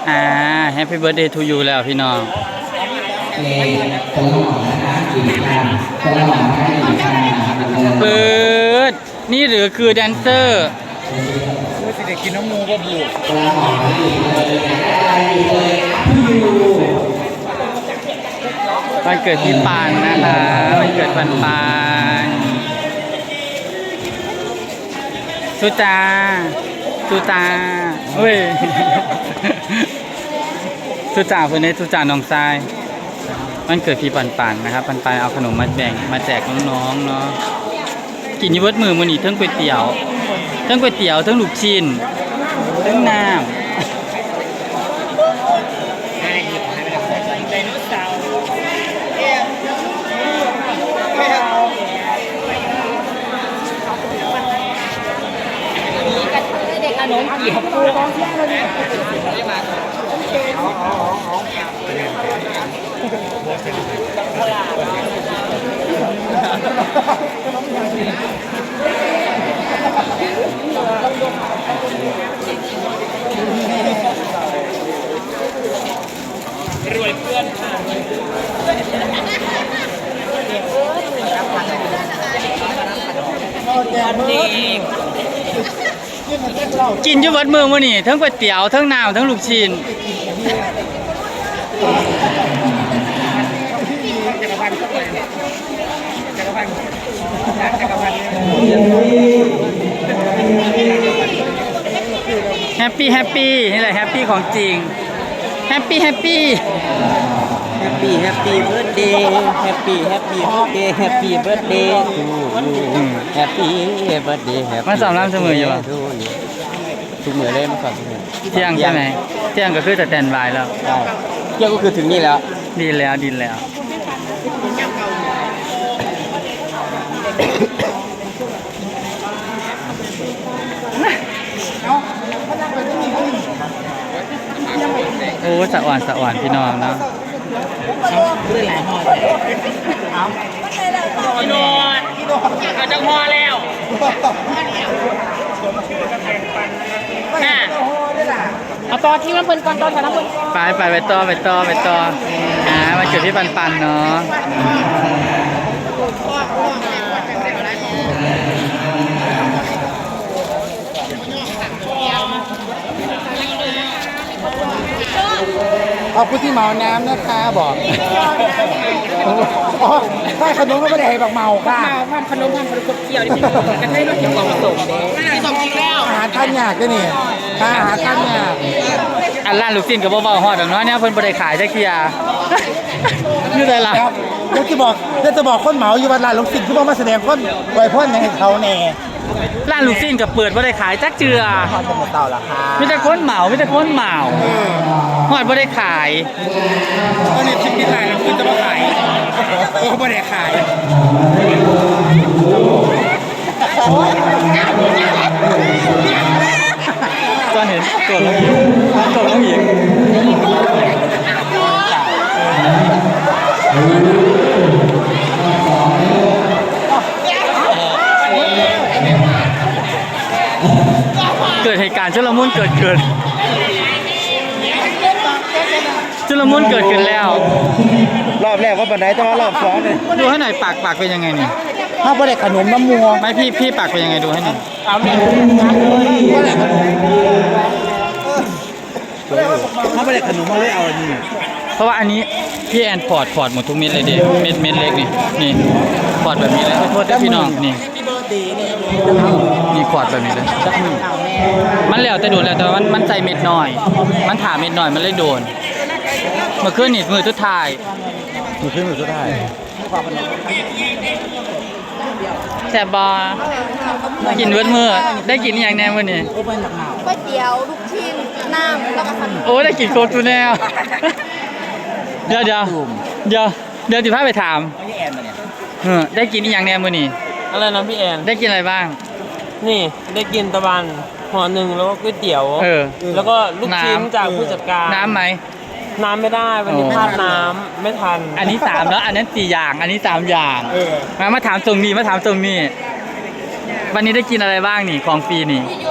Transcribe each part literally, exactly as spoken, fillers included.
อ่า Happy Birthday to you แล้วพี่น้องเปิดนี่หรือคือแดนเซอร์คือสิเด็กกินน้ำมูก็บูดวันเกิดพี่ปานนะคะวันเกิดปันปานสุจาสุจาเฮ้ยสุจาคนนี้สุจาน้องทรายวันเกิดพี่ปันปันนะครับปันปันเอาขนมมาแบ่งมาแจกน้องๆเนาะกินยี่เวิร์ดมือมันนี่ทั้งก๋วยเตี๋ยวทั้งก๋วยเตี๋ยวทั้งลูกชิ้นทั้งน้ำเด็กขนมเกี่ยวปูกองเที่ยงเลยรวยเพื่อนค่ะกินอยู่วัดเมืองมื้อนี่ทั้งก๋วยเตี๋ยวทั้งน้ำทั้งลูกชิ้นจักรพันธ์ก็เลยจักรพันธ์จักรพันธ์แฮปปี้แฮปปี้นี่แหละแฮปปี้ของจริงแฮปปี้แฮปปี้แฮปปี้แฮปปี้เบิร์ดเดย์แฮปปี้แฮปปี้เบิร์ดเดย์แฮปปี้เบิร์ดเดย์ทูยูแฮปปี้เบิร์ดเดย์แฮปปี้มันสอนรำเสมออยู่ป่ะทุกมือเลยมันสอนเสมอเที่ยงใช่ไหมเที่ยงก็คือแต่แตนบายแล้วใช่เที่ยงก็คือถึงนี่แล้วดีแล้วดีแล้วโอ้สะอ่อนสะอ่อนพี่น้องเนาะด้วยหลายห่อเอาพี่โนดเอาจังห่อแล้วเอาต่อที่มันเพิ่นก่อนต่อแถวนั้นเพิ่นไปไปไปต่อไปต่อไปต่ออ่ามาเกิดที่ปันปันเนาะขอบคุณที่เมาน้ำนะคะบอกอ๋อใช่ขนมก็ไม่ได้ให้บักเมาค่ะทำขนมทำขนมเกี่ยวที่เป็นกันให้เราเกี่ยวกับผสมผสมกินแล้วอาหารท่านยากด้วยนี่อาหารท่านยากอันร้านลูกชิ้นกับบ่าวฮอดดอกเนาะเนี่ยเพิ่นบ่ได้ขายจักเที่ยอยู่ได้ล่ะเดี๋ยวจะบอกเดี๋ยวจะบอกคนเหมาอยู่วันลานลูกศิษย์ที่มาแสดงคนไว้พ่นให้เขาแน่ร้านลูกชิ้นกับเปิดบ่ได้ขายจักเจือฮอดเป็นเต่าราคามีแต่คนเหมามีแต่คนเหมาฮอดบ่ได้ขายก็นี่ชิมกินหลายแล้วคุณจะมาขายโอ้บ่ได้ขายตอนเห็นตัวลงหินตัวลงหินเกิดเหตุการณ์ชุลมุนเกิดขึ้นชุลมุนเกิดขึ้นแล้วรอบแรกว่าบันไดแต่ว่ารอบสองเลยดูให้หน่อยปากปากเป็นยังไงนี่ถ้าบ่ได้ขนมน้ำมัวไม่พี่พี่ปากเป็นยังไงดูให้หน่อยเอาเนี่ยถ้าบ่ได้ขนมมาเลยเอาอันนี้เพราะว่าอันนี้พี่แอนพอร์ตพอร์ตหมดทุกเม็ดเลยเด็เม็ดเม็ดเล็กนี่นี่พอร์ตแบบนี้เลยโทษด้วยพี่น้องนี่มีพอร์ตแบบนี้เลยมันแล้วแต่โดนแล้วแต่มันมันใจเม็ดน้อยมันถาเม็ดน้อยมันเลยโดนเมื่อคืนนี่มือทุกทายมือขึ้นมือสุดท้ายแซ่บบอกินเวิร์ดมือได้กินอย่างแน่วันนี้ก๋วยเตี๋ยวลูกชิ้นน้ำแล้วก็ขนมโอ้ได้กินโคตรแน่เดี๋ยวเดี๋ยวเดี๋ยวเดี๋ยวจิพาไปถามเออได้กินอย่างแน่วันนี้อะไรนะพี่แอนได้กินอะไรบ้างนี่ได้กินตะวันห่อหนึ่งแล้วก็ก๋วยเตี๋ยวเออแล้วก็ลูกชิ้นจากผู้จัดการน้ำไหมน้ำไม่ได้วันนี้พลาดน้ำไม่ทันอันนี้สามแล้วอันนั้นสี่อย่างอันนี้สามอย่างมามาถามตรงนี้มาถามตรงนี้วันนี้ได้กินอะไรบ้างนี่ของฟรีนี่เยอะมากเลย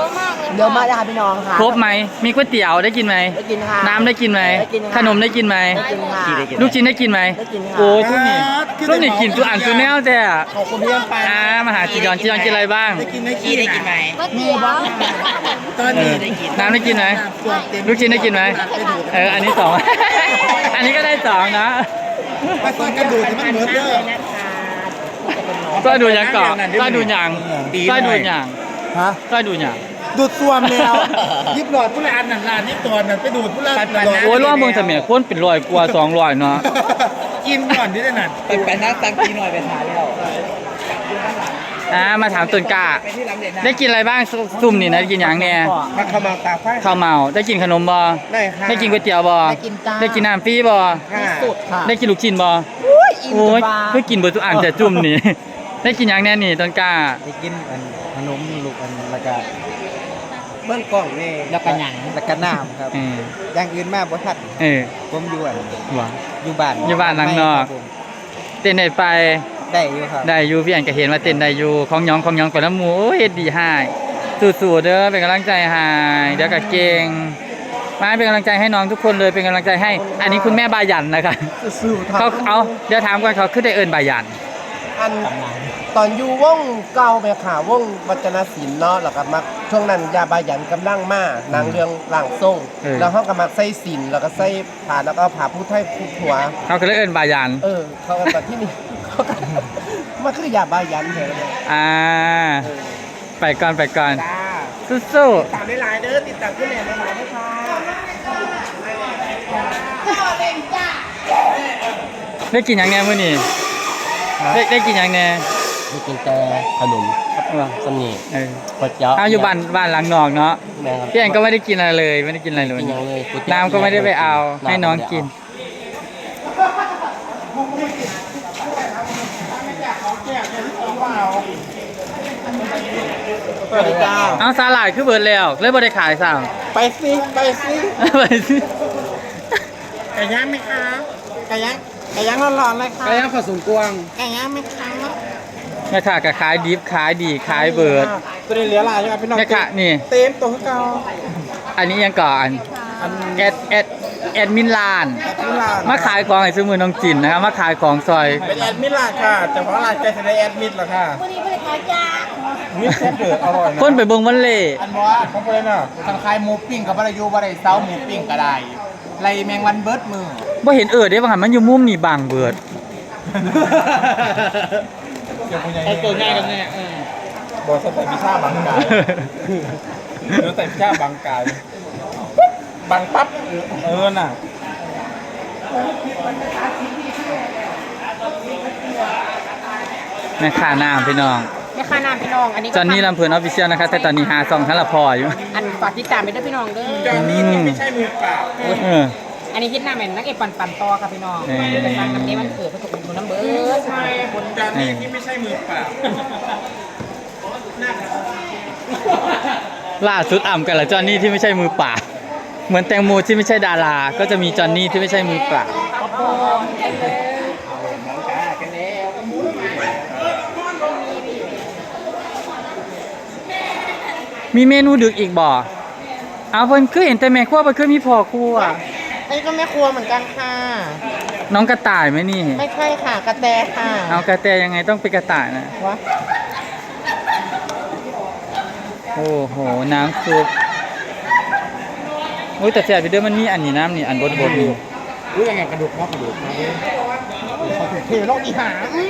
เดี๋ยวมาได้ค่ะพี่น้องค่ะครบไหมมีก๋วยเตี๋ยวได้กินไหมได้กินค่ะน้ำได้กินไหมได้กินค่ะขนมได้กินไหมได้กินค่ะลูกชิ้นได้กินไหมได้กินค่ะโอ้ยทุกนี่ทุกนี่กินตัวอ่านตัวแนวแต่อะขอบคุณพี่ยังไปอ่ามาหาจียอนจียอนกินอะไรบ้างได้กินได้กินได้กินไหมมีบ้างตอนนี้ได้กินน้ำได้กินไหมลูกชิ้นได้กินไหมเอออันนี้สอง อันนี้ก็ได้สองนะไปซอยกระดูกที่มันเหมือนเดิมก็ดูอย่างก่อนก็ดูอย่างก็ดูอย่างฮะก็ดูอย่างดูดซ่วมแล้วยิบหลอดผู้ลานนั่นลานยิบตัวนั่นไปดูดผู้ลานโอ้ยร่วมเมืองเสมียคนเป็นร้อยกว่าสองร้อยเนาะกินก่อนที่นั่นไปไปนั่งตังกีหน่อยไปทานแล้วอ่ามาถามต้นกล้าไปที่ลำเด็ดนะได้กินอะไรบ้างซุซุ่มนี่นะได้กินอย่างเนี่ยมาขมาตาไฟข้าวเมาได้กินขนมบ่ได้ค่ะได้กินก๋วยเตี๋ยวบ่ได้กินจ้าได้กินน้ำฟรีบ่ค่ะสุดค่ะได้กินลูกชิ้นบ่อิ่มโอ้ยจะบ้าเพื่อกินเบอร์ทุกอันจะจุ่มนี่ ได้กินอย่างแน่นี่ต้นกล้าไปกินอันขนมลูกอันแล้วก็เบื้องกล้องนี่แล้วก็หยังแล้วก็น้ำครับเอออย่างอื่นมาบ่ทันเออผมอยู่อันว่ะอยู่บ้านอยู่บ้านหลังนอกครับผมเต้นได้ไปได้อยู่ครับได้อยู่พี่อันก็เห็นว่าเต้นได้อยู่ของหยองของหยองไปแล้วหมูโอ้ยเฮ็ดดีให้สู้ๆเด้อเป็นกำลังใจให้เดี๋ยวก็เก่งมาเป็นกำลังใจให้น้องทุกคนเลยเป็นกำลังใจให้ อันนี้คุณแม่บายันนะคะสู้ๆเขาเอาเดี๋ยวถามก่อนเขาขึ้นได้เอิญบายันอันตอนอยู่วงเก่าไปค่ะวงวัฒนศิลป์เนาะแล้วก็มาช่วงนั้นยาบายันกำลังมานางเรื่องล่างทรงแล้วเขาก็มาใส่ศิลป์แล้วก็ใส่ผ่าแล้วก็ผ่าผู้ไทยผู้ผัวเขาก็เลยเอิญบายันเออเขากันตอนที่นี่เขากันมันคือยาบายันเหรออ่าไปก่อนไปก่อนจ้าสู้ตามได้หลายเด้อติดตามขึ้นแหน่หลายๆด้วยค่ะๆได้กินอย่างแน่มื้อนี้ได้ได้กินอย่างแน่ได้กินแต่ขนมว่ะสนีเออก๋วยเตี๋ยวเอาอยู่บ้านบ้านหลังนอกเนาะแม่ครับพี่แอนก็ไม่ได้กินอะไรเลยไม่ได้กินอะไรเลยกินอย่างเลยก๋วยเตี๋ยวน้ำก็ไม่ได้ไปเอาให้น้องกินสวัสดีจ้าเอาสาหร่ายคือเบิร์ดแล้วเลยบ่ได้ขายซ้ไปสิไปสิำไปสิไก่ย่างไหมคะไก่ย่างไก่ย่างร้อนๆเลยค่ะไก่ย่างผสมกวางไก่ย่างไหมคะแม่ค้าก็ขายดิบขายดีขายเบิร์ดตัวนี้เหลือหลายใช่ไหมพี่น้องแม่ค้านี่เต็มตัวเก่าอันนี้ยังก่อนอันแอดแอดแอดมินลานมิลานมาขายของให้ซื้อมือน้องจินนะครับมาขายของซอยเป็นแอดมิลานค่ะแต่เพราะอะไรใจจะได้แอดมิดเหรอค่ะวันนี้ไม่ได้ขายจ้ามิดแซ่บเดือดอร่อยนะคนไปเบิ่งวันเล่อันว่าของเพื่อนน่ะทางคายหมูปิ้งกับบารยูบารายเซาหมูปิ้งก็ได้ไรแมงวันเบิร์ดมือบ่เห็นเอิดได้ว่าหันมันอยู่มุมนี่บางเบิร์ดไอตัวง่ายกันเนี่ยบอกใส่พิซซ่าบางกายหรือใส่พิซซ่าบางกายบางปั๊บเออน่ะแม่ค้าน้ำพี่น้องแม่ค้าน้ำพี่น้องอันนี้ก็จอนนี่ลำเพลินออฟฟิเชียลนะคะแต่ตอนนี้หาซองท่านละพออยู่อันฝากติดตามไปด้วยพี่น้องเด้อจอนนี่ที่ไม่ใช่มือเปล่าเอออันนี้คิดหน้าแม่นนักเอกปั่นปั่นต่อค่ะพี่น้องเออเป็นการนำนี้มันเกิดประสบผลน้ำเบิร์ดคนจอนนี่ที่ไม่ใช่มือเปล่าล่าสุดอ่ำกันละจอนนี่ที่ไม่ใช่มือเปล่าเหมือนแตงโมที่ไม่ใช่ดารา ก็จะมีจอนนี่ที่ไม่ใช่มือเปล่ามีเมนูดึกอีกบ่เอาเพิ่นคือเห็นแต่แม่ครัวเพิ่นคือมีพ่อครัวไอ้ก็แม่ครัวเหมือนกันค่ะน้องกระต่ายไหมนี่ไม่ใช่ค่ะกระแตค่ะเอากระแตยังไงต้องเป็นกระต่ายนะวะโอ้โหน้ำซุปโอ้ยแต่แซ่บไปเด้อมันมีอันนี้น้ำนี่อันบดบดนี่รู้ยังไงกระดูกเนาะกระดูกนะเขาถูกเทโลกอีหา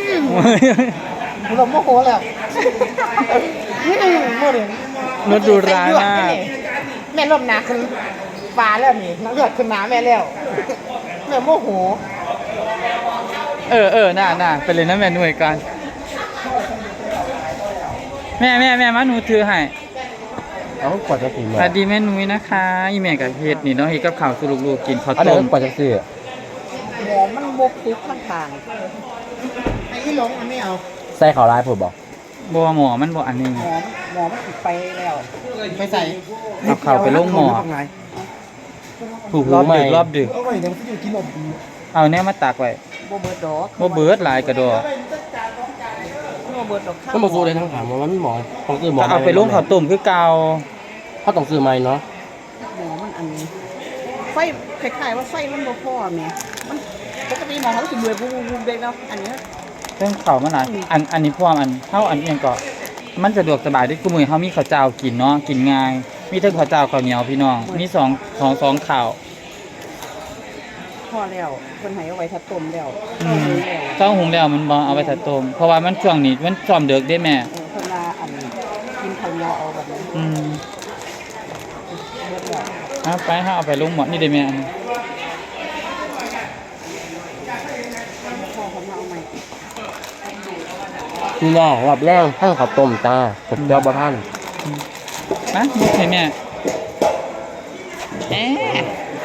เราโมโหแล้วนี่โมเดลรถดูร้ายมากแม่ลมหนาขึ้นฟ้าแล้วนี่น้ำเลือดขึ้นน้ำแม่แล้วแม่โมโหเออเออน่าน่าไปเลยนะแม่หน่วยกันแม่แม่แม่มาหนูถือให้เอากว่าจะกินสวัสดีแม่นุ้ยนะคะอีแม่กับเฮ็ดนี่เนาะเฮ็ดกับข้าวสู่ลูกๆกินข้าวอันนี้ต้มกว่าจะซื้อหมอมันบกทุกข้างทางไอ้ที่หลงมันไม่เอาใส่ข้าวร้ายผมบอกบ่หมอมันบ่อันนี้หมอหมอมันติดไปแล้วไปใส่เอาข้าวไปลงหมอถูกรอบดึกรอบดึกเอาไว้เดี๋ยวมันจะกินนมเอาแน่มาตักไว้โบเบิร์ดดอกบ่เบิดหลายกระดอกโบเบิร์ดดอกข้าวก็มาสู้ได้ทั้งถามว่ามันหมอของคือหมอก็เอาไปลงข้าวต้มคือเก่าเขาต้องซื้อใหม่เนาะหมอมันอันไฟคล้ายๆว่าไฟมันบ่พอแม่มันปกติหมอเขาสิเบื่อบูบูเด็กเนาะอันนี้เรื่องเขามันหลายอันอันนี้พวกอันเท่าอันเอียงก็มันสะดวกสบายด้วยกูมือเขามีข้าวเจ้ากินเนาะกินง่าย มีทั้งข้าวเจ้าข้าวเหนียวพี่น้องมีสองสองสองข้าวพอแล้วคนให้เอาไว้ทัดต้มแล้วอืมเจ้าหุงแล้วมันบ่เอาไปถัดต้มเพราะว่ามันช่วงนี้มันจอมเดือกได้แม่เออคนละอันกินข้าวเหนียวเอาแบบนี้อืมเบิดแล้วเอาไปฮะเอาไปลุงหมดนี่ได้แม่อันนี้พ่อเขามาเอาใหม่พี่น้องรอบแรกให้ข้าวต้มจ้าผมเจ้าบ่ท่านนะมุกให้แม่เอ๊ะ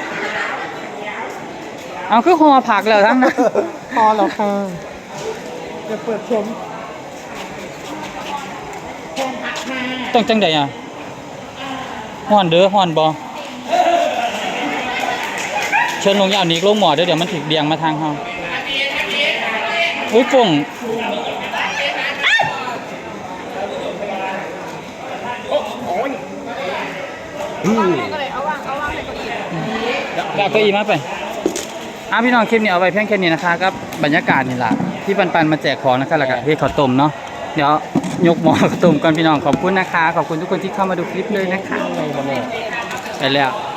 เอาคือห่อผักแล้วทั้งนั้นพอแล้วค่ะจะเปิดชมต้องจังใดอ่ะห่อนเด้อห่อนบ่เชิญลงยาวนี้ลงหมอเด้อเดี๋ยวมันถึกเบียงมาทางเฮาอุ้ยฟงอืมก็เลยเอาวางเอาวางให้คนอื่นกาเก้าอี้มาไปอ่ะพี่น้องคลิปนี้เอาไว้เพียงแค่นี้นะคะกับบรรยากาศนี่ล่ะที่ปันปันมาแจกของนะคะแล้วก็เฮ็ดข้าวต้มเนาะเดี๋ยวยกหม้อข้าวต้มก่อนพี่น้องขอบคุณนะคะขอบคุณทุกคนที่เข้ามาดูคลิปเลยนะคะอะไรบ่แม่ไปแล้ว